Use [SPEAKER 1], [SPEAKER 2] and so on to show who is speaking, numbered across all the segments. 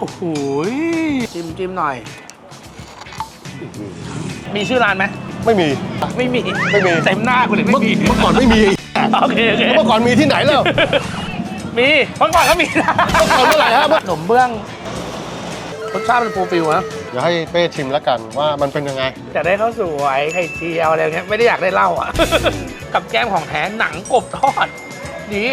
[SPEAKER 1] โอ้โหจิ้มหน่อยมีชื่อร้านไหม
[SPEAKER 2] ไม่มี
[SPEAKER 1] เต็มหน้ากูเลยไม่มี
[SPEAKER 2] เมื่อก่อนไม่มี
[SPEAKER 1] โอเค
[SPEAKER 2] เมื่อก่อนมีที่ไหนแล้ว
[SPEAKER 1] มีเมื่อก่อนก็มีนะ
[SPEAKER 2] เมื่อไหร่ฮะ
[SPEAKER 1] ขนมเบื้องรสชาติเป็นฟูลฟิลนะ
[SPEAKER 2] เดี๋ยวให้เป้ชิมแล้วกันว่ามันเป็นยังไง
[SPEAKER 1] อยากได้ข้าวสวยไข่เจียวอะไรเงี้ยไม่ได้อยากได้เหล้าอ่ะ กับแก้มของแท้หนังกบทอดดี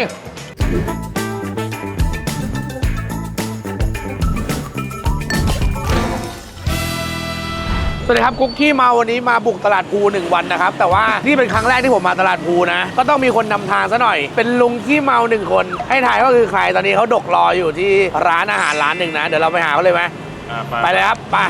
[SPEAKER 1] สวัสดีครับกุ๊กขี้เมาวันนี้มาบุกตลาดภู1 วันนะครับแต่ว่านี่เป็นครั้งแรกที่ผมมาตลาดภูนะก็ต้องมีคนนำทางซะหน่อยเป็นลุงขี้เมา1 คนให้ถ่ายว่าคือใครตอนนี้เขาดกรออยู่ที่ร้านอาหารร้านหนึ่งนะเดี๋ยวเราไปหาเขาเลยไหมไปเลยครับไป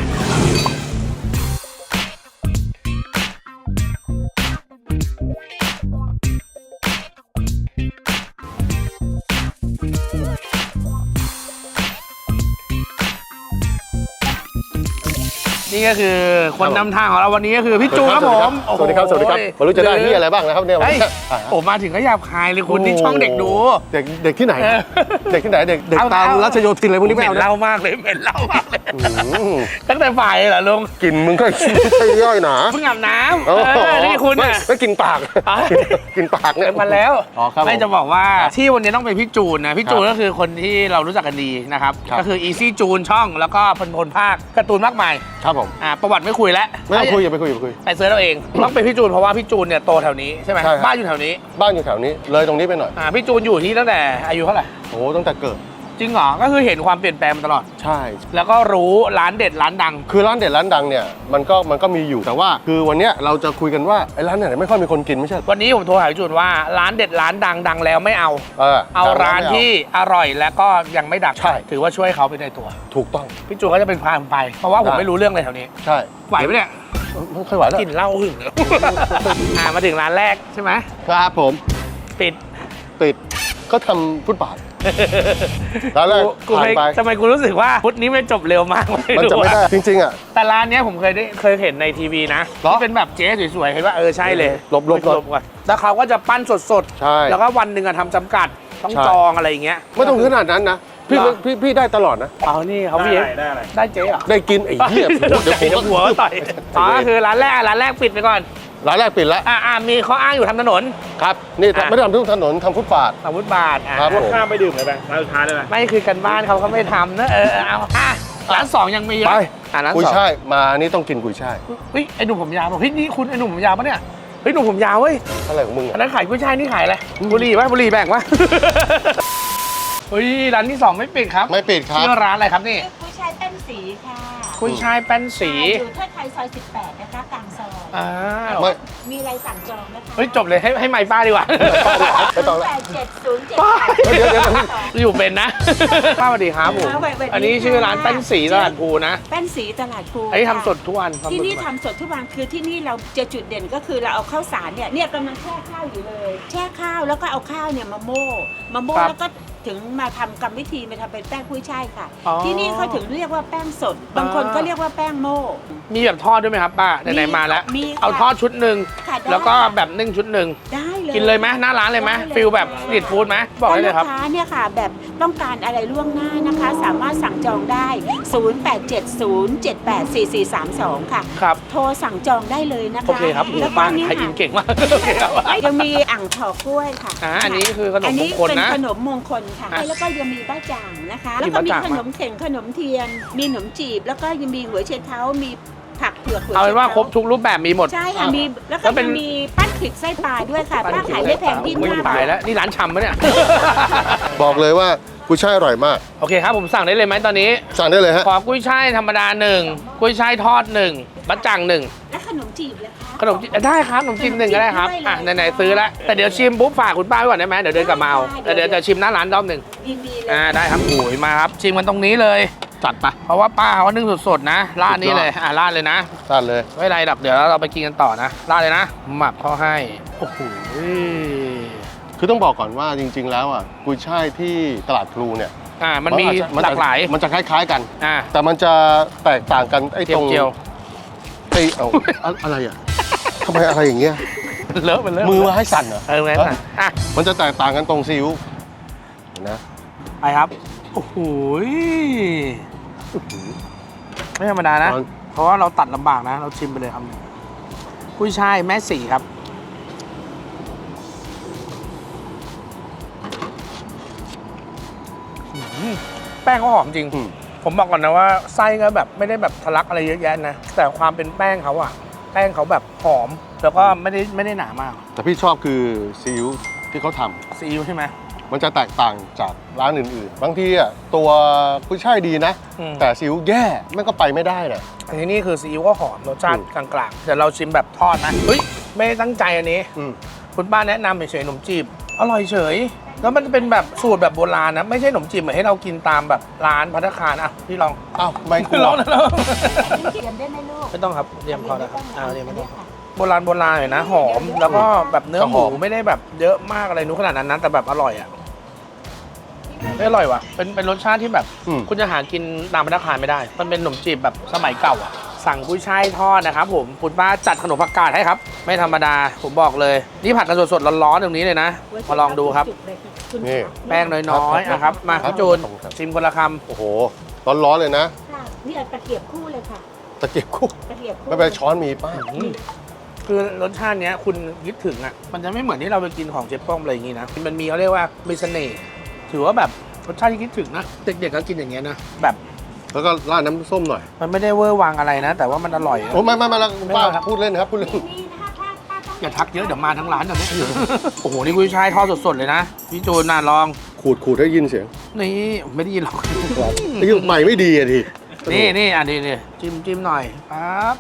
[SPEAKER 1] นี่ก็คือคนนำทางของเราวันนี้ก็คือพี่จูนครับผม
[SPEAKER 2] สวัสดีครับไม่รู้จะได้ที่อะไรบ้างนะครับเนี่ย
[SPEAKER 1] ผมมาถึงก็หยาบคายเลยคุณที่ช่องเด็กดู
[SPEAKER 2] เด็กที่ไหนเด็กที่ไหนเด็กตามรัชโยธินอะไรพวกนี้ไม่เอา
[SPEAKER 1] เล่ามากเลยเหม็นเล่ามากเลยตั้งแต่ฝ่ายเหรอลุง
[SPEAKER 2] กลิ่นมึงก็ย่อยหนา
[SPEAKER 1] เพิ่งอาบน้ำนี่คุณ
[SPEAKER 2] ไม่กินปากกินปากเนี่ย
[SPEAKER 1] มาแล้วไม่จะบอกว่าที่วันนี้ต้องเป็นพี่จูนนะพี่จูนก็คือคนที่เรารู้จักกันดีนะครับก็คือ Easy จูนช่องแล้วก็พลภาคการ์ตูนมากมาย
[SPEAKER 2] ครับผม
[SPEAKER 1] ประวัติไม่คุยแล้ว
[SPEAKER 2] ไม่คุยอย่าไปคุย
[SPEAKER 1] ไปเซิร์ชเราเองต้องเป็นพี่จูนเพราะว่าพี่จูนเนี่ยโตแถวนี้ใช่ไหมบ้านอยู่แถวนี้
[SPEAKER 2] เลยตรงนี้ไปหน่อย
[SPEAKER 1] พี่จูนอยู่ที่ตั้งแต่อายุเท่าไหร่
[SPEAKER 2] โอ้ตั้งแต่เกิด
[SPEAKER 1] จริงเหรอก็คือเห็นความเปลี่ยนแปลงมาตลอด
[SPEAKER 2] ใช่
[SPEAKER 1] แล้วก็รู้ร้านเด็ดร้านดัง
[SPEAKER 2] คือร้านเด็ดร้านดังเนี่ยมันก็มีอยู่แต่ว่าคือวันนี้เราจะคุยกันว่าไอ้ร้านไหนไม่ค่อยมีคนกินไม่ใช่
[SPEAKER 1] วันนี้ผมโทรหาพี่จูนว่าร้านเด็ดร้านดังแล้วไม่เอาร้านที่อร่อยแล้วก็ยังไม่ดัง
[SPEAKER 2] ใช่
[SPEAKER 1] ถือว่าช่วยเขาไปในตัว
[SPEAKER 2] ถูกต้อง
[SPEAKER 1] พี่จูนก็จะเป็นพาผมไปเพราะว่าผมไม่รู้เรื่องเลยแถวนี้
[SPEAKER 2] ใช่
[SPEAKER 1] ไหวไหมเนี่ย
[SPEAKER 2] ไม่ค่อยไหวแล้ว
[SPEAKER 1] กินเหล้าหึงมาถึงร้านแรกใช่ไหม
[SPEAKER 2] ครับผม
[SPEAKER 1] ปิด
[SPEAKER 2] ก็ทำฟุตบาทร้านแรกผ่านไป
[SPEAKER 1] ทำไมกูรู้สึกว่าฟุตนี้มันจบเร็วมาก
[SPEAKER 2] มันจะไม่ได้จริงๆอ่ะ
[SPEAKER 1] แต่ร้านนี้ผมเคยเห็นในทีวีนะที่เป็นแบบเจ๊สวยๆเห็นว่าใช่เลย
[SPEAKER 2] ลบ
[SPEAKER 1] ก่อนแล้วเขาก็จะปั้นสด
[SPEAKER 2] ใช่
[SPEAKER 1] แล้วก็วันหนึ่งทำจำกัดต้องจองอะไรอย่างเงี้ย
[SPEAKER 2] ไม่ต้องขนาดนั้นนะพี่ได้ตลอดนะ
[SPEAKER 1] นี่เขาพี่ได้เจ๊เหรอ
[SPEAKER 2] ได้กินไอ้เหี้ย
[SPEAKER 1] เดี๋ยวผมก็หัวต่อยก็คือร้านแรกปิดไปก่อน
[SPEAKER 2] ร้านแรกปิดแล้ว
[SPEAKER 1] มีข้ออ้างอยู่ทำถนน
[SPEAKER 2] ครับนี่ไม่ได้ทำทุกถนนทำฟุตบาท
[SPEAKER 1] ครับ
[SPEAKER 2] ผม
[SPEAKER 3] ข้ามไปดื่มเลยไปร้านสุดท้ายเลยไหม
[SPEAKER 1] ไม่คือกันบ้านเขาไม่ทำนะเอาร้าน2ยังมี
[SPEAKER 2] ไป
[SPEAKER 1] ร้าน
[SPEAKER 2] กุยช่ายมานี่ต้องกินกุยช่าย
[SPEAKER 1] ไอ้หนุ่มผมยาวบอกนี่คุณไอ้หนุ่มผมยาวปะเนี่ยหนุ่มผมยาวเว้ย
[SPEAKER 2] อะไรของมึง
[SPEAKER 1] อันนั้นขายกุยช่ายนี่ขายอะไรบุหรี่แบ่งวะร้านที่2ไม่ปิดครับ
[SPEAKER 2] ไม่ปิดครับ
[SPEAKER 1] ชื่อร้านอะไรครับนี่
[SPEAKER 4] กุยช่ายแป้นสีค่ะ
[SPEAKER 1] กุยช่ายแป้นสี
[SPEAKER 4] อยู่ท่าไทยซอย18นะคะกลางซอยมีอะไรสั่งจองนะคะ
[SPEAKER 1] จบเลยให้ไมค์ป้าดีกว่า
[SPEAKER 4] 87078
[SPEAKER 1] อยู่เป็นนะป้าสวัสดีครับผมอันนี้ชื่อร้านแป้นสีตลาดภูนะ
[SPEAKER 4] แป้นสีตลาดภู
[SPEAKER 1] อันนี้ทำสดทุกวัน
[SPEAKER 4] ที่นี่ทำสดทุกวันคือที่นี่เราจะจุดเด่นก็คือเราเอาข้าวสารเนี่ยกำลังแช่ข้าวอยู่เลยแช่ข้าวแล้วก็เอาข้าวเนี่ยมาโม่แล้วก็ถึงมาทำกรรมวิธีมาทำเป็นแป้งกุ้ยช่ายค่ะที่นี่เขาถึงเรียกว่าแป้งสดบางคนก็เรียกว่าแป้งโม่
[SPEAKER 1] มีแบบทอดด้วยไหมครับป้าไหนๆมาแล้วเอาทอดชุดหนึ่งแล้วก็แบบนึ่งชุดหนึ่ง
[SPEAKER 4] ได้เลย
[SPEAKER 1] กินเลยไหมหน้าร้านเลยไหมฟิลแบบสตรีทฟู้ดไหมบอกได้เลยครับ
[SPEAKER 4] ลูกค้าเนี่ยค่ะแบบต้องการอะไรล่วงหน้านะคะสามารถสั่งจองได้0870784432ค่ะ
[SPEAKER 1] ครับ
[SPEAKER 4] โทรสั่งจองได้เลยนะคะ
[SPEAKER 1] โอเคครับแล้วป้าขายอินเก่งมาก
[SPEAKER 4] ยังมีอ่างถอกล้วยค่ะ
[SPEAKER 1] อันนี้คือขนมมงคลนะ
[SPEAKER 4] ขนมมงคลค่ะแล้วก็ยังมีบ้าจ่างนะคะแล้วก็มีขนมเข่งขนมเทียนมีขนมจีบแล้วก็ยังมีหัวเชนเท้ามีผักเผือก
[SPEAKER 1] เอาเป็นว่าครบทุกรูปแบบมีหมด
[SPEAKER 4] ใช่ค่ะมีแล้วก็มีปั้นขิดไส้ปลาด้วยค่ะป้าขายไม่แพงที่
[SPEAKER 1] มากตายแล้วนี่ร้านชำปะเนี่ย
[SPEAKER 2] บอกเลยว่ากุ้ยช่ายอร่อยมาก
[SPEAKER 1] โอเคครับผมสั่งได้เลยไหมตอนนี้
[SPEAKER 2] สั่งได้เลยฮะ
[SPEAKER 1] ขอกุ้ยช่ายธรรมดา1กุ้ยช่ายทอด1บั๊จ่าง1
[SPEAKER 4] และขนมจีบเลยค่ะ
[SPEAKER 1] ขนมจีบได้ครับขนมจีบ1ก็ได้ครับไหนๆซื้อแล้วแต่เดี๋ยวชิมปุ๊บฝากคุณป้าไว้ก่อนได้ไหมเดี๋ยวเดินกลับมาเอาเดี๋ยวจะชิมหน้าร้านรอบหนึ่งได้ครับโอ้ยมาครับชิมกันตรงนี้เลยจัดไปเพราะว่าป้าเขานึ่งสดๆนะราดนี้เลยราดเลยนะ
[SPEAKER 2] ราดเลย
[SPEAKER 1] ไม่ไรหรอกเดี๋ยวเราไปกินกันต่อนะราดเลยนะหมักเขาให้โอ้โห
[SPEAKER 2] คือต้องบอกก่อนว่าจริงๆแล้วกุยช่ายที่ตลาดพลูเนี่ย
[SPEAKER 1] มันมีหลากหลาย
[SPEAKER 2] มันจะคล้ายๆกันแต่มันจะแตกต่างกันไอ้ตรงอะไรทำไมอะไรอย่างเงี้ย
[SPEAKER 1] เลอะ
[SPEAKER 2] มือมาให้สั่นเหรอ
[SPEAKER 1] ไม่สั่น
[SPEAKER 2] มันจะแตกต่างกันตรงซีอิ๊วนะ
[SPEAKER 1] ไปครับโอ้โหไม่ธรรมดานะ เพราะว่าเราตัดลำบากนะ เราชิมไปเลยครับกุ้ยช่ายแม่สีครับแป้งก็หอมจริง ผมบอกก่อนนะว่าไส้ก็แบบไม่ได้แบบทะลักอะไรเยอะแยะนะ แต่ความเป็นแป้งเขาอะแป้งเขาแบบหอม แล้วก็ไม่ได้หนามาก
[SPEAKER 2] แต่พี่ชอบคือซีอิ๊วที่เขาทำ
[SPEAKER 1] ซีอิ๊วใช่ไหม
[SPEAKER 2] มันจะแตกต่างจากร้านอื่นๆ บางทีอ่ะตัวกุ้ยช่ายดีนะ
[SPEAKER 1] อืม
[SPEAKER 2] แต่ซีอิ๊วแย่มันก็ไปไม่ได้นะ
[SPEAKER 1] อันนี้นี่คือซีอิ๊วก็หอมรสชาติกลางๆแต่เราชิมแบบทอดนะเฮ้ยไม่ได้ตั้งใจอันนี้ คุณป้าแนะนำเฉยๆขนมจีบอร่อยเฉย แล้วมันเป็นแบบสูตรแบบโบราณนะ ไม่ใช่ขนมจีบเหมือนให้เรากินตามแบบร้านภัตตาคารอ่ะพี่ลอง
[SPEAKER 2] อ้าวไม่กลัว
[SPEAKER 1] ลองนะลอง
[SPEAKER 4] เตรียมได้ไหมลูก
[SPEAKER 1] ไม่ต้องครับเตรียมพอแล้วเตรียมไม่ต้อง
[SPEAKER 4] ค่ะ
[SPEAKER 1] โบราณหน่อยนะหอมแล้วก็แบบเนื้อหมูไม่ได้แบบเยอะมากอะไรนู้นขนาดนั้นนะแต่แบบอร่อยอ่ะไม่อร่อยว่ะเป็นรสชาติที่แบบ คุณจะหากินตามภัตตาคารไม่ได้ มันเป็นขนมจีบแบบสมัยเก่าอ่ะสั่งกุ้ยช่ายทอดนะครับผมคุณป้าจัดขนมผักกาดให้ครับไม่ธรรมดาผมบอกเลยนี่ผัดกันสดๆร้อนๆตรงนี้เลยนะมาลองดูครับ
[SPEAKER 2] นี่
[SPEAKER 1] แป้งน้อยๆนะครับมาพี่จูนชิมคนละค
[SPEAKER 2] โอ้โหร้อนๆเลยนะ
[SPEAKER 4] ค่ะนี่เอาตะเกียบคู่เลยค่ะ
[SPEAKER 2] ตะเกียบคู่
[SPEAKER 4] ตะเกียบคู่
[SPEAKER 2] ไม่เป็นไรช้อนมีป้า
[SPEAKER 1] ำคือรสชาติเนี้ยคุณคิดถึงอ่ะมันจะไม่เหมือนที่เราไปกินของเจ๊ป้อมอะไรอย่างงี้นะมันมีเขาเรียกว่ามีเสน่ห์ถือว่าแบบรสชาติที่คิดถึงนะเด็กๆก็กินอย่างเงี้ยนะแบบ
[SPEAKER 2] แล้วก็ราดน้ำส้มหน่อย
[SPEAKER 1] มันไม่ได้เวอร์วังอะไรนะ แต่ว่ามันอร่อยอะ
[SPEAKER 2] โอ้ไม่แล้วคุณป้า
[SPEAKER 1] ไม่ครับ
[SPEAKER 2] พูดเล่นนะครับพูดเล่น
[SPEAKER 4] นี่ถ้าต้อง
[SPEAKER 1] อย่าทักเยอะเดี๋ยวมาทั้งร้านเดี๋ยวนี้ โอ้โหนี่กุ้ยช่ายทอดสดๆเลยนะพี่จูนน่าลอง
[SPEAKER 2] ขูดให้ยินเสียง
[SPEAKER 1] นี่ไม่ได้ยินหรอก
[SPEAKER 2] ไอ้ยุคใหม่ไม่ดีอะที
[SPEAKER 1] นี่อันนี้จิ้มหน่อยปั๊บ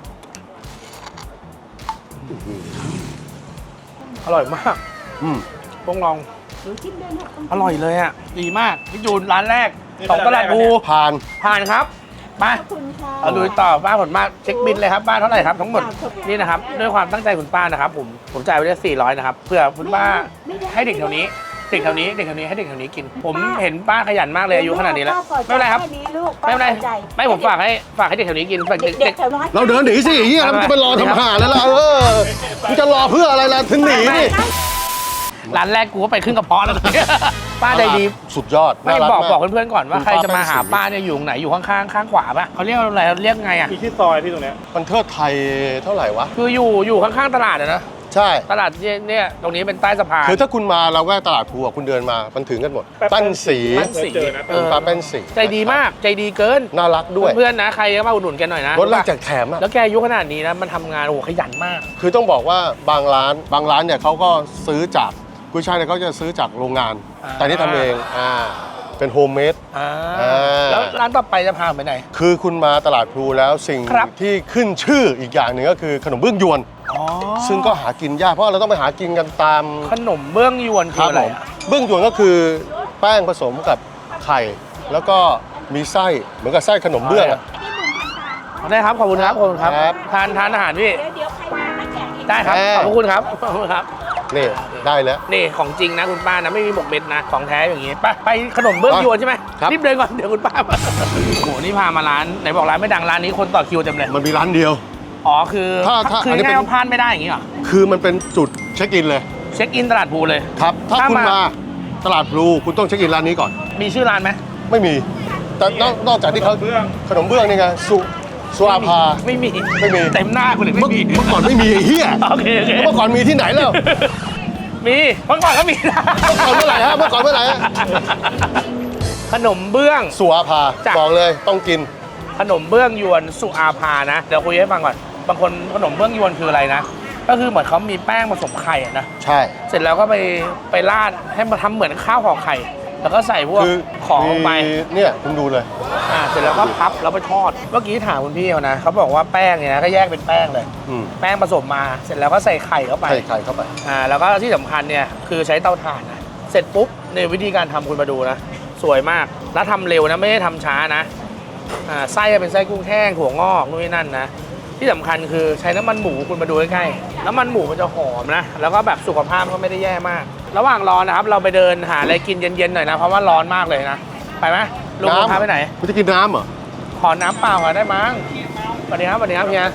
[SPEAKER 1] อร่อยมาก
[SPEAKER 2] อืม
[SPEAKER 1] ต้องลอง
[SPEAKER 4] หนูชิมด้วยนะ
[SPEAKER 1] อร่อยเลยอ่ะดีมากพี่จูนร้านแรกของตลาดภู
[SPEAKER 2] ผ่าน
[SPEAKER 1] ผ่านครับมา
[SPEAKER 4] ขอบคุณค่ะ
[SPEAKER 1] เอาลุยต่อบ้านผลมากเช็คบินเลยครับบ้านเท่าไหร่ครับทั้งหมดนี่นะครับด้วยความตั้งใจคุณป้านะครับผมจ่ายไปได้400นะครับเพื่อคุณป้าให้เด็กแถวนี้ให้เด็กแถวนี้กิน ผมเห็นป้าขยันมากเลยอายุขนาดนี้แล้วไม่เป็นไรครับ
[SPEAKER 4] แนี้ลูก
[SPEAKER 1] ไม่เป็นไร
[SPEAKER 4] ใจ
[SPEAKER 1] ไม่ผมฝากให้เด็กแถวนี้กินฝาก
[SPEAKER 4] เด็
[SPEAKER 1] เด็
[SPEAKER 4] ก
[SPEAKER 1] ก
[SPEAKER 4] ๆแถวน้อย
[SPEAKER 2] เราเดินหนีสิเฮียเราจะไปรอทำหาแล้วล่ะมึงจะรอเพื่ออะไรล่ะถึงหนีนี่
[SPEAKER 1] ร้านแรกกูก็ไปขึ้นกระเพาะแล้ว ป้าใจดี
[SPEAKER 2] สุดยอด
[SPEAKER 1] ไม่
[SPEAKER 2] น่ารั
[SPEAKER 1] บอก
[SPEAKER 2] มา
[SPEAKER 1] บอกเพื่อนๆก่อนว่า
[SPEAKER 2] คุณ
[SPEAKER 1] ใครจะมาหา
[SPEAKER 2] ป้า
[SPEAKER 1] ป้าเนี่ยอยู่ตรงไหนอยู่ข้างๆข้างขวาป่ะเขาเรียกอะไรเรียกไงอ่ะ
[SPEAKER 3] มีที่ซอยพี่ตรงเนี้ย
[SPEAKER 2] มันเทิดไทยเท่าไหร่วะ
[SPEAKER 1] คืออยู่ข้างๆตลาดอะนะ
[SPEAKER 2] ใช่
[SPEAKER 1] ตลาดเนี่ยตรงนี้เป็นใต้สะพาน
[SPEAKER 2] คือถ้าคุณมาเราแวกตลาดภูอะคุณเดินมามันถึงกันหมด
[SPEAKER 3] แป๊บ
[SPEAKER 2] แป้นสี
[SPEAKER 1] แป้นสี
[SPEAKER 3] เจอนะ
[SPEAKER 2] คุณป้าแป้นสี
[SPEAKER 1] ใจดีมากใจดีเกิน
[SPEAKER 2] น่ารักด้วย
[SPEAKER 1] เพื่อนๆนะใครก็มาอุดหนุนแกหน่อยนะ
[SPEAKER 2] รถแรกแจกแถมอะ
[SPEAKER 1] แล้วแกอายุขนาดนี้นะมันทำงานโอ้โหขยันมาก
[SPEAKER 2] คือต้องบอกว่าบางร้านเนี่ยเขาก็ซื้อจากกุ้ยช่ายเนี่ยเขาจะซื้อจากโรงงาน แต่นี่ทำเองเป็นโฮมเมด
[SPEAKER 1] อ่า
[SPEAKER 2] อ่า
[SPEAKER 1] แล้วร้านต่อไปจะพาไปไหน
[SPEAKER 2] คือคุณมาตลาดพลูแล้วสิ่ง
[SPEAKER 1] ครับ
[SPEAKER 2] ที่ขึ้นชื่ออีกอย่างหนึ่งก็คือขนมเบื้องยวน
[SPEAKER 1] อ๋อ
[SPEAKER 2] ซึ่งก็หากินยากเพราะเราต้องไปหากินกันตาม
[SPEAKER 1] ขนมเบื้องยวนคืออะไร
[SPEAKER 2] ผมเบื้องยวนก็คือแป้งผสมกับไข่ แล้วก็มีไส้เหมือนกับไส้ขนมเบื้องอะ
[SPEAKER 1] ได้ครับขอบคุณครับขอบคุณครับ
[SPEAKER 2] ครับ
[SPEAKER 1] ทานอาหารพี่
[SPEAKER 4] เดี๋ยวใครมาก็แจกอีก
[SPEAKER 1] ได้ครับ
[SPEAKER 2] แม่
[SPEAKER 1] ขอบคุณครับขอบคุณครับ
[SPEAKER 2] นี่ได้แล้ว
[SPEAKER 1] นี่ของจริงนะคุณป้านะไม่มีหมกเม็ดนะของแท้อย่างงี้ไปขนมเบื้องยวนใช่ไหม
[SPEAKER 2] ครับ
[SPEAKER 1] รีบเดินก่อนเดี๋ยวคุณป้ามาโอ้โหนี่พามาร้านไหนบอกร้านไม่ดังร้านนี้คนต่อคิวเต็มเลย
[SPEAKER 2] มันมีร้านเดียว
[SPEAKER 1] อ๋อคือ
[SPEAKER 2] ถ้า
[SPEAKER 1] คือ
[SPEAKER 2] อันนี้
[SPEAKER 1] ง่าย
[SPEAKER 2] เป็น
[SPEAKER 1] ๆว่าพลาดไม่ได้อย่างงี้เหรอ
[SPEAKER 2] คือมันเป็นจุดเช็คอินเลย
[SPEAKER 1] เช็คอินตลาดภูเลย
[SPEAKER 2] ครับ ถ้า
[SPEAKER 1] ถ้า
[SPEAKER 2] คุณ
[SPEAKER 1] มา
[SPEAKER 2] มาตลาดพลูคุณต้องเช็คอินร้านนี้ก่อน
[SPEAKER 1] มีชื่อร้านไหม
[SPEAKER 2] ไม่มี แต่นอกจากที่เขาขนมเบื้องนี่ไงสุอาภา
[SPEAKER 1] ไม่มี
[SPEAKER 2] ไม่มี
[SPEAKER 1] เต็มหน้าคุณเลย
[SPEAKER 2] เมื่
[SPEAKER 1] ไม่
[SPEAKER 2] อ
[SPEAKER 1] มี
[SPEAKER 2] เมื่อก่อนไม่มีไอ้เหี้ย
[SPEAKER 1] โอเค
[SPEAKER 2] เมื่อก่อนมีที่ไหนแล้ว
[SPEAKER 1] มีเมื่อก่อนก็มีนะ
[SPEAKER 2] เมื่อก่อนเมื่อไหร่ฮะเมื่อก่อนเมื่อไหร่ฮะ
[SPEAKER 1] ขนมเบื้อง
[SPEAKER 2] สุอาภา
[SPEAKER 1] จ้ะ
[SPEAKER 2] บอกเลยต้องกิน
[SPEAKER 1] ขนมเบื้องยวนสุอาภานะเดี๋ยวคุยให้ฟังก่อนบางคนขนมเบื้องยวนคืออะไรนะก็คือเหมือนเขามีแป้งผสมไข่อะนะ
[SPEAKER 2] ใช่
[SPEAKER 1] เสร็จแล้วก็ไปราดให้มาทำเหมือนข้าวห่อไข่ แล้วก็ใส่พวก
[SPEAKER 2] คือ
[SPEAKER 1] ของลงไป
[SPEAKER 2] มีเนี่ยคุณดูเลย
[SPEAKER 1] เสร็จแล้วก็พับแล้วไปทอดเมื่อกี้ถามคุณพี่เขานะเขาบอกว่าแป้งเนี่ยนะก็แยกเป็นแป้งเลย
[SPEAKER 2] อืม
[SPEAKER 1] แป้งผสมมาเสร็จแล้วก็ใส่ไข่เข้าไป
[SPEAKER 2] ใส่ไข่เข้าไป
[SPEAKER 1] แล้วก็ที่สำคัญเนี่ยคือใช้เตาถ่านนะเสร็จปุ๊บในวิธีการทำคุณมาดูนะสวยมากแล้วทำเร็วนะไม่ได้ทำช้านะไส้เป็นไส้กุ้งแห้งถั่วงอกนู่นนี่นั่นนะที่สำคัญคือใช้น้ำมันหมูคุณมาดูใกล้ๆน้ำมันหมูมันจะหอมนะแล้วก็แบบสุขภาพก็ไม่ได้แย่มาก ระหว่างรอนะครับเราไปเดินหาอะไรกินเย็นๆหน่อยนะเพราะว่าร้อนมากเลยนะไปไหมลุงพาไปไหน
[SPEAKER 2] คุณจะกินน้ำเหรอ
[SPEAKER 1] ขอน้ำเปล่าก่อนได้มั้งสวัสดีครับเฮีย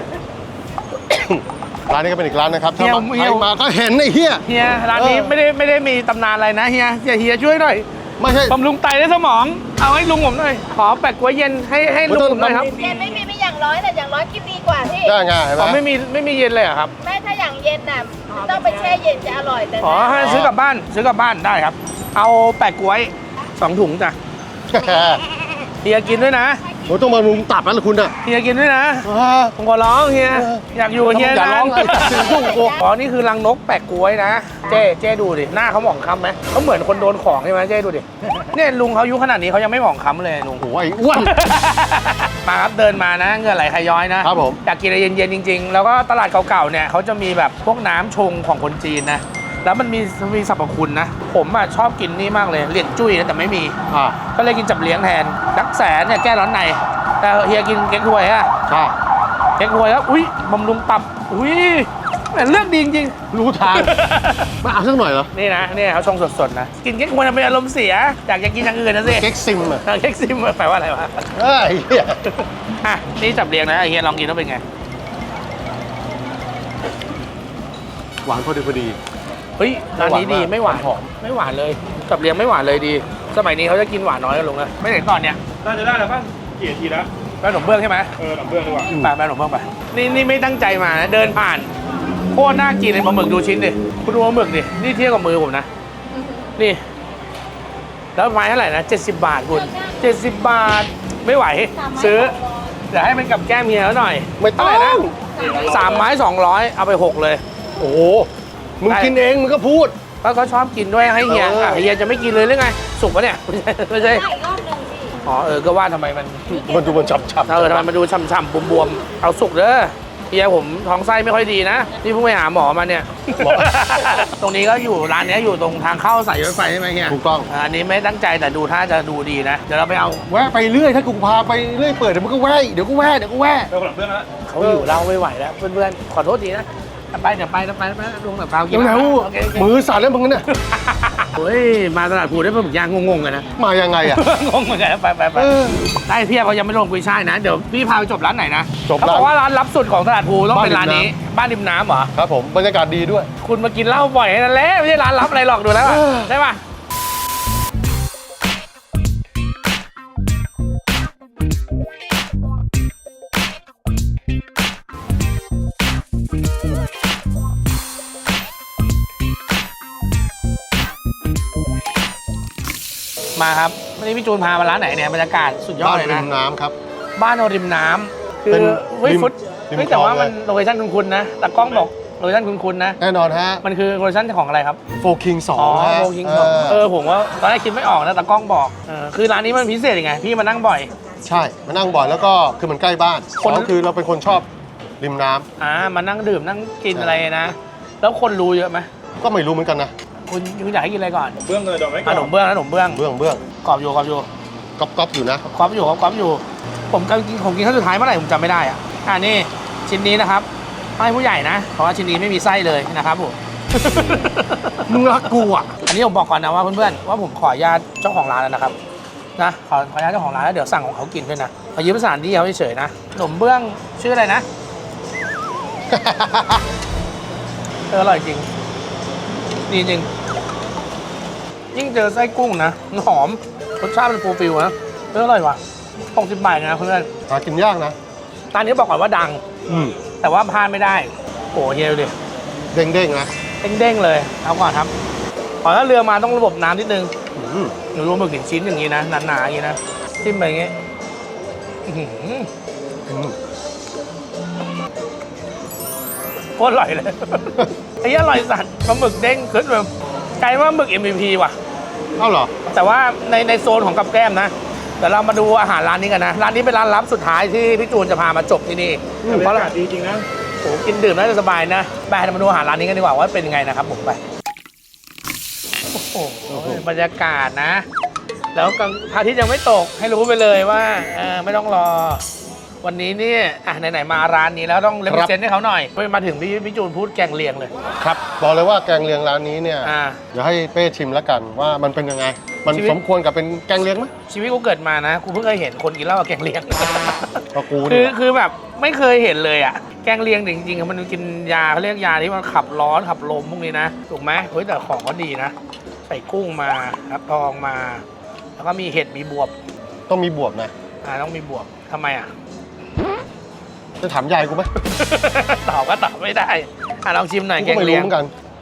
[SPEAKER 2] ร้านนี้ก็เป็นอีกร้านนะครับถ้า
[SPEAKER 1] เฮีย
[SPEAKER 2] ใครมาก็เห็นไอ้เหี้ย
[SPEAKER 1] เฮียร้านนี้
[SPEAKER 2] เออ
[SPEAKER 1] ไม่ได้มีตำนานอะไรนะเฮียช่วยหน่อย
[SPEAKER 2] ไม่ใช่
[SPEAKER 1] บำรุงไตและสมอง เอาให้ลุงผมหน่อย ขอแปะก๊วยเย็นให้ลุงผมหน่อยครับ
[SPEAKER 3] เย็นไม่มีไม่อย่างร้อยแต่อย่างร้อยกินดีกว่าพี่
[SPEAKER 2] ได้ไงเห็นไหม
[SPEAKER 1] อ๋อไม่มีเย็นเลยเหรอครับ
[SPEAKER 3] ไม่ถ้าอย่างเย็นน่ะต้องไปแช่เย็นจะอร่อยแต่
[SPEAKER 1] อ๋อให้ซื้อกลับบ้านได้ครับ เอาแปะก๊วย2 ถุงจ้ะเฮียกินด้วยนะ
[SPEAKER 2] โอ้ต้องมาลุงตับแล้วล่ะคุณอ่ะ
[SPEAKER 1] เฮียกินด้วยนะ ผมขอร้องเฮีย อยากอยู่กับเฮีย
[SPEAKER 2] อย่าร้อง
[SPEAKER 1] นะ
[SPEAKER 2] เลยถึงยุ่งกู
[SPEAKER 1] อ๋อนี่คือรังนกแปะกล้วยนะ เจ๊ดูดิ หน้าเขาหมองคล้ำไหมเขาเหมือนคนโดนของใช่ไหมเจ๊ดูดิ เนี่ยลุงเขาอายุขนาดนี้เขายังไม่หมองคล้ำเลยลุง
[SPEAKER 2] โอ้ยอ้วน
[SPEAKER 1] มาครับเดินมานะเหงื่อไหลขย้อยนะครับ
[SPEAKER 2] ผม
[SPEAKER 1] อยากกินอะไรเย็นๆจริง ๆ แล้วก็ตลาดเก่าๆเนี่ยเขาจะมีแบบพวกน้ำชงของคนจีนนะ แล้วมันมีสรรพคุณนะ ผมอ่ะชอบกินนี่มากเลยเหรียญจุ้ยนะแต่ไม่มี
[SPEAKER 2] อ่า
[SPEAKER 1] ก็เลยกินจับเลี้ยงแทนดักแสนเนี่ยแก้ร้อนในแต่เฮียกินเก๊กฮวยอะ
[SPEAKER 2] ใช่
[SPEAKER 1] เก๊กฮวยแล้วอุ้ยบำรุงตับอุ้ยแต่เลือกดีจริง
[SPEAKER 2] รู้ทางมาเอาสักหน่อยเหรอ
[SPEAKER 1] นี่นะเนี่ยเขาชงสดๆนะกินเก๊กฮวยทำไมอารมณ์เสียอยากจะกินอย่างอื่นนะสิ
[SPEAKER 2] เก๊กซิมอ่ะ
[SPEAKER 1] เก๊กซิมแปลว่าอะไรวะ
[SPEAKER 2] เอ้ยเหี้ย
[SPEAKER 1] อ่ะนี่จับเรียงนะไอเฮียลองกินแล้วเป็นไง
[SPEAKER 2] หวานพอดี
[SPEAKER 1] เฮ้ยร้านนี้ดีไม่หวาน
[SPEAKER 2] หอม
[SPEAKER 1] ไม่หวานเลยจับเรียงไม่หวานเลยดี สมัยนี้เขาจะกินหวานน้อยกันลงนะไม่เห็นก่อนเนี่ย
[SPEAKER 5] น่าจะได้แล้วป่ะกี่นาทีแล้ว
[SPEAKER 1] แป้งขนมเบื้องใช่ไหม
[SPEAKER 5] หนังเบื้องดีกว่า
[SPEAKER 1] ไปแป้งขนมเบื้องไปนี่ไม่ตั้งใจมานะเดินผ่านโคตรน่ากินเลยปลาหมึกดูชิ้นดิคุณดูปลาหมึกดินี่เทียบกับมือผมนะนี่ แล้วไม้เท่าไหร่นะ70 บาทคุณ70 บาทไม่ไหวซื้อเดี๋ยวให้มันกับแก้มเฮียแล้วหน่อย
[SPEAKER 2] ไม่ต้อ
[SPEAKER 1] เท่าไหร่นะ
[SPEAKER 2] ง
[SPEAKER 1] 3 ไม้ 200เอาไป6เลย
[SPEAKER 2] โอ้โหมึงกินเองมึงก็พูด
[SPEAKER 1] ก็เขาชอบกินด้วยให้เฮีย
[SPEAKER 2] เออ
[SPEAKER 1] เฮียจะไม่กินเลยหรือไงสุกปะเนี่ยไม่ใช่
[SPEAKER 3] ได้อีกรอบหนึ่งพี่
[SPEAKER 1] อ๋อก็ว่าทำไมมัน
[SPEAKER 2] มันดูมันฉับๆ
[SPEAKER 1] ทำไมมันดูช่ำๆบวมๆเอาสุกเด้อเฮียผมท้องไส้ไม่ค่อยดีนะนี่เพิ่งไปหาหมอมาเนี่ย ตรงนี้ก็อยู่ร้านนี้อยู่ตรงทางเข้าสายรถไฟใช่ไหมเฮีย
[SPEAKER 2] ถูกต้อง
[SPEAKER 1] อันนี้ไม่ตั้งใจแต่ดูท่าจะดูดีนะ เดี๋ยวเราไปเอา
[SPEAKER 2] แวะไปเรื่อยถ้ากูพาไปเรื่อยเปิดเดี๋ยวมึงก็แวะเดี๋ยวก็แวะ
[SPEAKER 5] เริ่มหลังเบื้องแล้ว
[SPEAKER 1] เขาอยู่เราไม่ไหวแล้วเพื่อนๆขอโทษทีนะไปเดี๋ยวไปลุงแบบเรากิน
[SPEAKER 2] เร็ว
[SPEAKER 1] โอเค
[SPEAKER 2] ๆมือสั่นแล้วมึงเนี่ย
[SPEAKER 1] เฮ้ยมาตลาดภูได้ปลาหมึกย่างงงๆกันนะ
[SPEAKER 2] มายังไงอ่ะ
[SPEAKER 1] งงเหมือนกันไป
[SPEAKER 2] เออ
[SPEAKER 1] ได้เพียบเขายังไม่ลงกุยช่ายนะ เดี๋ยวพี่พาไปจบร้านไหนนะ
[SPEAKER 2] จบ
[SPEAKER 1] เขาบอกว่าร้านลับสุดของตลาดภูต้องเป็นร้านนี้ บ้านริมน้ำเหรอ
[SPEAKER 2] ครับผมบรรยากาศดีด้วย
[SPEAKER 1] คุณมากินเหล้าบ่อยนั่นแหละไม่ใช่ร้านลับอะไรหรอกดูแล้วอะ
[SPEAKER 2] เออ
[SPEAKER 1] ใช่ป่ะมาครับวันนี้พี่จูนพามาร้านไหนเนี่ยบรรยากาศสุดยอด
[SPEAKER 2] บ้าน
[SPEAKER 1] เลย
[SPEAKER 2] ริ
[SPEAKER 1] นะ
[SPEAKER 2] มน้ำครับ
[SPEAKER 1] บ้านเอาริมน้ำคือ
[SPEAKER 2] เป็น
[SPEAKER 1] เฮ้ย
[SPEAKER 2] ริม
[SPEAKER 1] ฟุต
[SPEAKER 2] ริม
[SPEAKER 1] เฮ้ยแต่ว่า
[SPEAKER 2] คลอง
[SPEAKER 1] มัน
[SPEAKER 2] เลย
[SPEAKER 1] โลเคชั่นคุ้นๆนะแต่กล้องบอกโลเคชั่นคุ้นๆนะ
[SPEAKER 2] แน่นอนฮะ
[SPEAKER 1] มันคือโลเคชั่นของอะไรครับ
[SPEAKER 2] โฟคิงสอ
[SPEAKER 1] อ๋
[SPEAKER 2] ง
[SPEAKER 1] อ
[SPEAKER 2] ฮะ
[SPEAKER 1] โลคิงผมว่าตอนแรกคิดไม่ออกนะแต่กล้องบอกคือร้านนี้มันพิเศษยังไง พี่มานั่งบ่อย
[SPEAKER 2] ใช่มานั่งบ่อยแล้วก็คือมันใกล้บ้าน
[SPEAKER 1] คน
[SPEAKER 2] สองคือเราเป็นคนชอบริมน้ำ
[SPEAKER 1] มานั่งดื่มนั่งกิน
[SPEAKER 2] ใช่
[SPEAKER 1] อะไรนะ แล้วคนรู้เยอะไหม
[SPEAKER 2] ก็ไม่รู้เหมือนกันนะ
[SPEAKER 1] คุณอยากให้กินอะไรก่อน
[SPEAKER 5] เบื้องเลยดอกไม้
[SPEAKER 1] ขนมเบื้องนะขนมเบื้อง
[SPEAKER 2] เบื้อง
[SPEAKER 1] กรอบอยู่
[SPEAKER 2] ก๊อปอยู่นะ
[SPEAKER 1] กรอบอยู่ผมกินครั้งสุดท้ายเมื่อไหร่ผมจำไม่ได้อ่ะนี่ชิ้นนี้นะครับให้ผู้ใหญ่นะ เพราะว่าชิ้นนี้ไม่มีไส้เลยนะครับผม
[SPEAKER 2] มึงรักกูอ่ะ
[SPEAKER 1] อันนี้ผมบอกก่อนนะว่าเพื่อนๆว่าผมขออนุญาตเจ้าของร้านแล้วนะครับนะขออนุญาตเจ้าของร้านแล้วเดี๋ยวสั่งของเขากินด้วยนะขอยืมสถานที่เขาเฉยๆนะขนมเบื้องชื่ออะไรนะอร่อยจริงดีจริงยิ่งเจอไส้กุ้งนะมันหอมรสชาติมันฟูลฟิลนะอร่อยว่ะ60 บาทนะเพื่อน
[SPEAKER 2] หากินยากนะ
[SPEAKER 1] ร้านนี้บอกก่อนว่าดัง แต่ว่าพลาดไม่ได้โอ้เฮียดูดิ
[SPEAKER 2] เด้งๆนะ
[SPEAKER 1] เด้งๆเลยเอาก่อนครับขอถ้าเรือมาต้องระบบน้ำนิดนึง
[SPEAKER 2] อืม
[SPEAKER 1] หนูรวมหมึกชิ้นอย่างนี้นะหนาๆอย่างนี้นะจิ้มไปอย่างงี้อื้อหือ
[SPEAKER 2] อืม
[SPEAKER 1] โคตรอร่อยเลย ไอ้เหี้ยอร่อยสัตว์ปลาหมึกเด้งขึ้นแบบกลายว่าหมึก MVP ว่ะ
[SPEAKER 2] เอ้าเหรอ
[SPEAKER 1] แต่ว่าในโซนของกับแก้มนะเดี๋ยวเรามาดูอาหารร้านนี้กันนะร้านนี้เป็นร้านลับสุดท้ายที่พี่จูนจะพามาจบที่นี่
[SPEAKER 5] บร
[SPEAKER 1] เพราะ
[SPEAKER 5] รยากาศดีจริงนะ
[SPEAKER 1] โอ้โหกินดื่มน่าจะสบายนะไปเรามาดูอาหารร้านนี้กันดีกว่าว่าเป็นยังไงนะครับผมไปโอ้โหบรรยากาศนะ แล้วกลางพระอาทิตย์ยังไม่ตกให้รู้ไปเลยว่าไม่ต้องรอ วันนี้เนี่ยไหนๆมาร้านนี้แล้วต้องเล
[SPEAKER 2] ค
[SPEAKER 1] เว
[SPEAKER 2] รั
[SPEAKER 1] ล
[SPEAKER 2] บ
[SPEAKER 1] เซนให้เขาหน่อยมาถึงพี่จูนพูดแกงเลียงเลย
[SPEAKER 2] ครับบอกเลยว่าแกงเลียงร้านนี้เนี่ย
[SPEAKER 1] อ่า
[SPEAKER 2] เดี๋ยวให้เป้ชิมแล้วกันว่ามันเป็นยังไง มัน
[SPEAKER 1] ชีวิต
[SPEAKER 2] สมควรกับเป็นแกงเลียงไหม
[SPEAKER 1] ชีวิตกูเกิดมานะกูเพิ่งเคยเห็นคนกินเหล้ากับแกงเลียง
[SPEAKER 2] ก็กู
[SPEAKER 1] คื
[SPEAKER 2] เนี่
[SPEAKER 1] อย คือแบบไม่เคยเห็นเลยอ่ะแกงเลียงจริงๆอะมันกินยาเขาเรียกยาที่มันขับร้อนขับลมพวกนี้นะถูกไหมเฮ้ยแต่ของก็ดีนะใส่กุ้งมาครับทองมา แล้วก็มีเห็ดมีบวบ
[SPEAKER 2] ต้องมีบวบนะ
[SPEAKER 1] ต้องมีบวบทำไมอ่ะ
[SPEAKER 2] จะถามยายกูไหม
[SPEAKER 1] ตอบก็ตอบไม่ได้ลองชิมหน่อย
[SPEAKER 2] กู
[SPEAKER 1] แก
[SPEAKER 2] ก็
[SPEAKER 1] ง
[SPEAKER 2] ไม่
[SPEAKER 1] เลี
[SPEAKER 2] รู้
[SPEAKER 1] ยง
[SPEAKER 2] เหมือนกัน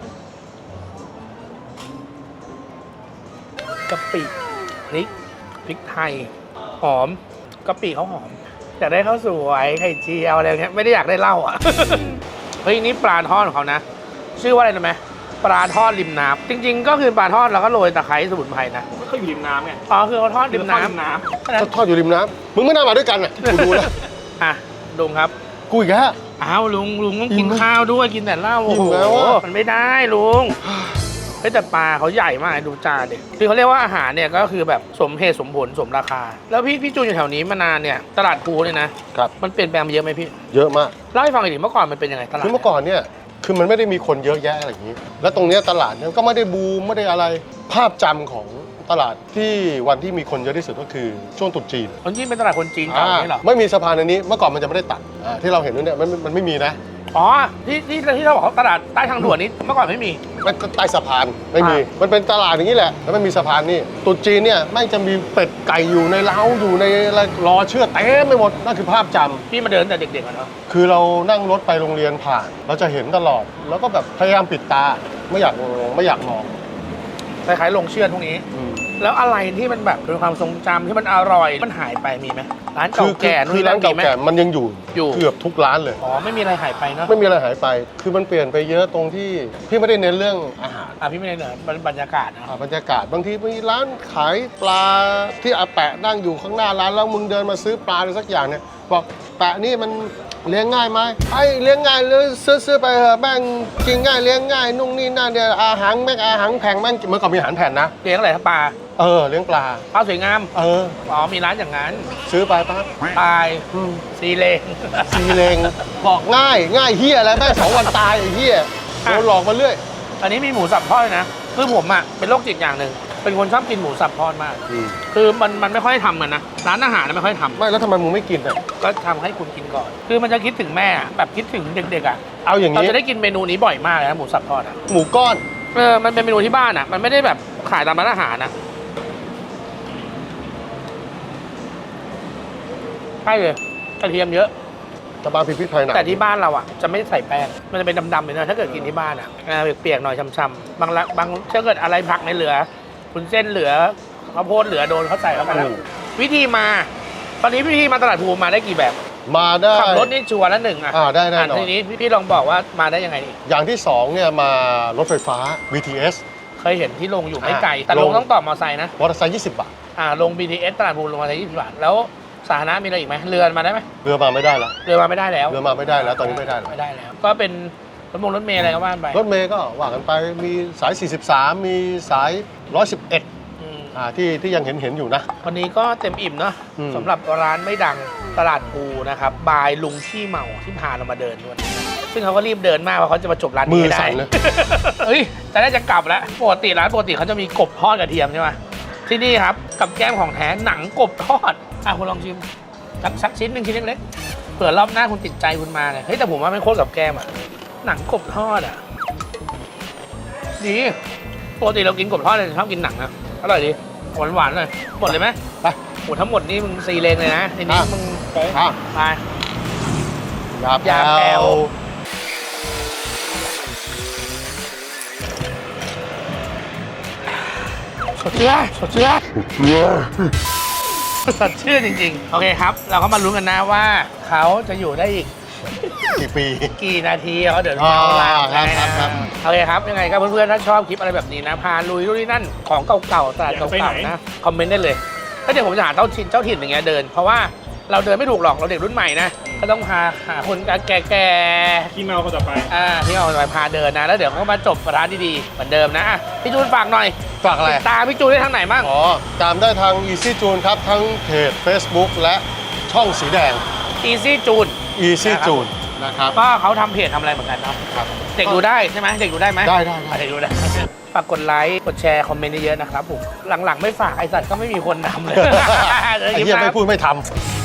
[SPEAKER 1] กะปิพริกไทย หอมกะปิเขาหอมอยากได้ข้าวสวยไข่เจียวอะไรอย่างเงี้ยไม่ได้อยากได้เหล้าอ่ะ เฮ้ยนี่ปลาทอดของเขานะ ชื่อว่าอะไรนะไหมปลาทอดริมน้ำจริง ๆ ก็คือปลาทอดแล้วก็โรยตะไคร้สมุนไพรนะ
[SPEAKER 5] เขาอยู่ริมน้ำไง
[SPEAKER 1] อ๋อคือเขาทอดริมน้
[SPEAKER 5] ริมน้
[SPEAKER 1] ำ
[SPEAKER 2] ก็ทอดอยู่ริมน้ำมึงไม่น่ามาด้วยกันอ่ะกูดูแล้ว
[SPEAKER 1] อ่ะลุงครับ
[SPEAKER 2] กูอีกแล้ว
[SPEAKER 1] อ้าวลุงต้อง
[SPEAKER 2] อิ่
[SPEAKER 1] กิน
[SPEAKER 2] มไหม
[SPEAKER 1] ข้าวด้วยกินแต่เหล้า
[SPEAKER 2] อิ่
[SPEAKER 1] โอ้
[SPEAKER 2] ม
[SPEAKER 1] โห
[SPEAKER 2] แล้วอะ
[SPEAKER 1] มันไม่ได้ลุงเฮ้ยแต่ปลาเขาใหญ่มากดูจานดิคือเขาเรียกว่าอาหารเนี่ยก็คือแบบสมเหตุสมผลสมราคา แล้วพี่จูนอยู่แถวนี้มานานเนี่ยตลาดภูเนี่ยนะครับ มันเปลี่ยนแปลงไปเยอะไหมพี่
[SPEAKER 2] เยอะมาก
[SPEAKER 1] เล่าให้ฟังหน่อยดิเมื่อก่อนมันเป็นยังไงตลาด
[SPEAKER 2] คือเมื่อก่อนเนี่ยคือมันไม่ได้มีคนเยอะแยะอะไรอย่างนี้ แล้วตรงเนี้ยตลาดเนี่ยก็ไม่ได้บูมไม่ได้อะไรภาพจำของตลาดที่วันที่มีคนเยอะที่สุดก็คือช่วงตรุษจีน
[SPEAKER 1] คนจีนเป็นตลาดคนจีนเก่านี่เหรอ
[SPEAKER 2] ไม่มีสะพานอันนี้เมื่อก่อนมันจะไม่ได้ตัดที่เราเห็นเนี่ยมันไม่มีนะ
[SPEAKER 1] อ๋อที่เราบอกว่าตลาดใต้ทางด่วนนี้เมื่อก่อนไม่มี
[SPEAKER 2] มันใต้สะพานไม่มี มันเป็นตลาดอย่างนี้แหละแล้วมันมีสะพานนี่ตรุษจีนเนี่ยไม่งจะมีเป็ดไก่อยู่ในเล้าอยู่ในอะไรรอเชือดเต็มไปหมดนั่นคือภาพจำ
[SPEAKER 1] พี่มาเดินแต่เด็กๆอะเนาะ
[SPEAKER 2] คือเรานั่งรถไปโรงเรียนผ่าน เราจะเห็นตลอด แล้วก็แบบพยายามปิดตาไม่อยากมอง
[SPEAKER 1] คล้ายๆลงเชือดพวกนี้ แล้วอะไรที่มันแบบเป็นความทรงจำที่มันอร่อยมันหายไปมีไหมร้าน
[SPEAKER 2] คื
[SPEAKER 1] เก่าแก่นู่น
[SPEAKER 2] คือ
[SPEAKER 1] นี่
[SPEAKER 2] ร้า
[SPEAKER 1] นั่
[SPEAKER 2] น
[SPEAKER 1] นมี
[SPEAKER 2] เก่า
[SPEAKER 1] ไหม
[SPEAKER 2] แก่มันยังอยู่
[SPEAKER 1] อยู่
[SPEAKER 2] เกือบทุกร้านเลย
[SPEAKER 1] อ๋อไม่มีอะไรหายไปเนาะ
[SPEAKER 2] ไม่มีอะไรหายไป คือมันเปลี่ยนไปเยอะตรงที่พี่ไม่ได้เน้นเรื่องอาหาร
[SPEAKER 1] พี่ไม่ได้เหนือบรรยากาศนะ
[SPEAKER 2] บรรยากาศบางทีมีร้านขายปลาที่อาแปะนั่งอยู่ข้างหน้าร้านแล้วมึงเดินมาซื้อปลาอะไรสักอย่างเนี่ยบอกแปะนี่มันเลี้ยงง่ายไหมไอ้เลี้ยงง่ายเลยซื้อไปเถอะแม่งกินง่ายเลี้ยงง่ายนุ่งนี่นั่นเดียวอาหารแม่งอาหารแพงแม่งเมื่อก่อนมีอาหารแผ่นนะ
[SPEAKER 1] เลี้ยงอะไรครับปลา
[SPEAKER 2] เลี้ยงปลา
[SPEAKER 1] ปลาสวยงาม
[SPEAKER 2] อ๋อ
[SPEAKER 1] มีร้านอย่างนั้น
[SPEAKER 2] ซื้อไปปั๊บ
[SPEAKER 1] ตายซีเลง
[SPEAKER 2] ซีเลงบอกง่ายเฮียอะไรแม่ง2 วันตายไอ้เฮียโดนหลอกมาเรื่อย
[SPEAKER 1] อันนี้มีหมูสับทอดด้วยนะคือผมอ่ะเป็นโรคจิตอย่างหนึ่งเป็นคนชอบกินหมูสับทอดมาก คือมันไม่ค่อยทำกันนะร้านอาหารไม่ค่อยทำ
[SPEAKER 2] ไม่แล้วทำไมมึงไม่กินอ่ะ
[SPEAKER 1] ก็ทำให้คุณกินก่อน คือมันจะคิดถึงแม่อะแบบคิดถึงเด็กๆอ่ะ
[SPEAKER 2] เอาอย่าง
[SPEAKER 1] เรา
[SPEAKER 2] นี้
[SPEAKER 1] จะได้กินเมนูนี้บ่อยมากเลยนะหมูสับทอดอ่ะ
[SPEAKER 2] หมูก้อน
[SPEAKER 1] มันเป็นเมนูที่บ้านอ่ะมันไม่ได้แบบขายตามร้านอาหารนะใช่เลยกระเทียมเยอะ
[SPEAKER 2] ตะบางพริกไทยหนัก
[SPEAKER 1] แต่ที่บ้านเราอ่ะจะไม่ใส่แป้งมันจะเป็นดำๆเลยนะถ้าเกิดกินที่บ้านอ่ะเปียกๆหน่อยช้ำๆบางถ้าเกิดอะไรผักในเหลือคุณเส้นเหลือข้าวโพดเหลือโดนเขาใส่เข้าไปแล้ววิธีมา ตอนนี้วิธีมาตลาดภูมาได้กี่แบบ
[SPEAKER 2] มาได้
[SPEAKER 1] ขับรถนี่ชัวร์ละหนึ่งอ่ะ
[SPEAKER 2] ได้แน่นอน
[SPEAKER 1] ทีนี้พี่ลองบอกว่ามาได้ยังไงดี
[SPEAKER 2] อย่างที่2เนี่ยมารถไฟฟ้า BTS
[SPEAKER 1] เคยเห็นที่ลงอยู่ไม่ไกลแต่
[SPEAKER 2] ล
[SPEAKER 1] ล
[SPEAKER 2] ง
[SPEAKER 1] งต้องต่อมอเตอร์ไซค์นะ
[SPEAKER 2] มอเตอร์ไซค์20 บาท
[SPEAKER 1] ลง BTS ตลาดภูลงมาได้20 บาทแล้วสาธารณะมีอะไรอีกไหมเรือมาได้ไหม
[SPEAKER 2] เรือมาไม่ได้แล้ว
[SPEAKER 1] เรือมาไม่ได้แล้ว
[SPEAKER 2] เรือมาไม่ได้แล้วตอนนี้ไม่ได้แล้ว
[SPEAKER 1] ไม่ได้แล้ว ก็เป็นรถเมล์อะไรก็ว่าไป
[SPEAKER 2] รถเมย์ก็ว่ากันไปมีสาย 43 มีสาย 111
[SPEAKER 1] อืม
[SPEAKER 2] ที่ยังเห็นอยู่นะ
[SPEAKER 1] วันนี้ก็เต็มอิ่มเนาะ
[SPEAKER 2] อืม
[SPEAKER 1] สำหรับร้านไม่ดังตลาดภูนะครับบายลุงขี้เมาที่พาเรามาเดินด้วยซึ่งเขาก็รีบเดินมากเพราะเขาจะมาจบร้าน
[SPEAKER 2] มื
[SPEAKER 1] นี้
[SPEAKER 2] อ
[SPEAKER 1] ให้ได้
[SPEAKER 2] สั่นเลย
[SPEAKER 1] เฮ้ยแต่น่าจะกลับแล้วปกติร้านปกติเขาจะมีกบทอดกระเทียมใช่ไหมที่นี่ครับกับแก้มของแท้หนังกบทอดคุณลองชิมสักชิ้นหนึ่งชิ้นเล็กๆเผื่อรอบหน้าคุณติดใจคุณมาเนี่ยเฮ้ยแต่ผมว่าไม่โคตรกับแก้มอะหนังกบทอดอะดีปกติเรากินกบทอดเลยชอบกินหนังนะอร่อยดีหวานๆเลยหมดเลยไหม
[SPEAKER 2] ไป
[SPEAKER 1] โอ้ทั้งหมดนี่มึงซีเลงเลยนะทีนี้มึง
[SPEAKER 2] อ่ะ
[SPEAKER 1] ไป
[SPEAKER 2] ยา
[SPEAKER 1] ยาแปลว สดชื่นสดชื่นสดชื่นจริงๆ โอเคครับ เราก็มาลุ้นกันนะว่าเขาจะอยู่ได้อีก
[SPEAKER 2] กี่ปี
[SPEAKER 1] กี่นาทีเขาเดี๋ยวเราลา
[SPEAKER 2] ครับ
[SPEAKER 1] โอเคครับ ยังไงก็เพื่อนๆ ถ้าชอบคลิปอะไรแบบนี้นะ พาลุยนู่นนี่นั่นของเก่าๆตลาดเก่าๆนะ คอมเมนต์ได้เลยแล้วเดี๋ยวผมจะหาเจ้าถิ่นอย่างเงี้ยเดิน เพราะว่าเราเดินไม่ถูกหรอกเราเด็กรุ่นใหม่นะก็ต้องหาคนแก่ๆ
[SPEAKER 5] ขี้เมาคนต่อไป
[SPEAKER 1] ที่เอาไปพาเดินนะ แล้วเดี๋ยวก็มาจบร้านดีๆเหมือนเดิมนะพี่จูนฝากหน่อย
[SPEAKER 2] ฝากอะไร
[SPEAKER 1] ติดตามพี่จูนได้ทางไหนบ้าง
[SPEAKER 2] ตามได้ทาง Easy June ครับ ทั้งเพจ Facebook และช่องสีแดง
[SPEAKER 1] Easy จูน
[SPEAKER 2] Easy June นะครับ
[SPEAKER 1] ก็เขาทำเพจทำอะไรเหมือนกันเนาะ
[SPEAKER 2] ครับ
[SPEAKER 1] เด็กดูได้ใช่ไหมเด็กดูได้ไหม
[SPEAKER 2] ได้
[SPEAKER 1] เด็กดูได้ ฝากกดไลค์กดแชร์คอมเมนต์เยอะๆนะครับผมหลังๆไม่ฝากไอสัตว์ก็ไม่มีคนทำเลย
[SPEAKER 2] ไอ้เหี้ยไม่พูดไม่ทำ